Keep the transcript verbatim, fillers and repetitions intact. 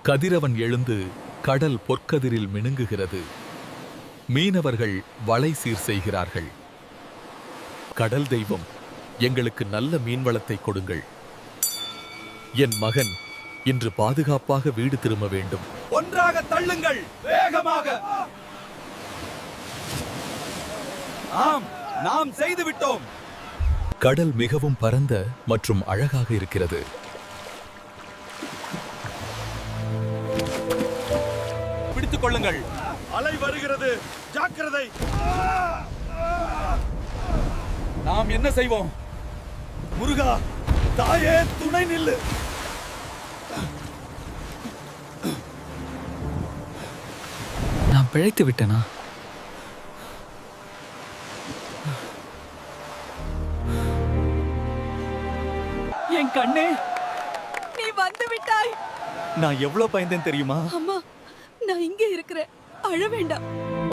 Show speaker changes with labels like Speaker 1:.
Speaker 1: கதிரவன் எழுந்து கடல் பொற்கதிரில் மினுங்குகிறது. மீனவர்கள் வலை சீர் செய்கிறார்கள். கடல் தெய்வம், எங்களுக்கு நல்ல மீன்வளத்தை கொடுங்கள். என் மகன் இன்று பாதுகாப்பாக வீடு திரும்ப வேண்டும்.
Speaker 2: ஒன்றாக தள்ளுங்கள், வேகமாக. ஆம், நாம் செய்து விட்டோம்.
Speaker 1: கடல் மிகவும் பரந்த மற்றும் அழகாக இருக்கிறது.
Speaker 2: பிடித்துக் கொள்ளுங்கள். அலை வருகிறது, ஜாக்கிரதை. நாம் என்ன செய்வோம்? முருகா, தாயே துணை நில்லு.
Speaker 3: நான் பிழைத்து விட்டேனா?
Speaker 2: என் கண்ணே,
Speaker 4: நீ வந்து விட்டாய்.
Speaker 2: நான் எவ்வளவு பயந்தேன் தெரியுமா?
Speaker 4: அம்மா, நான் இங்கே இருக்கிறேன், அழ வேண்டாம்.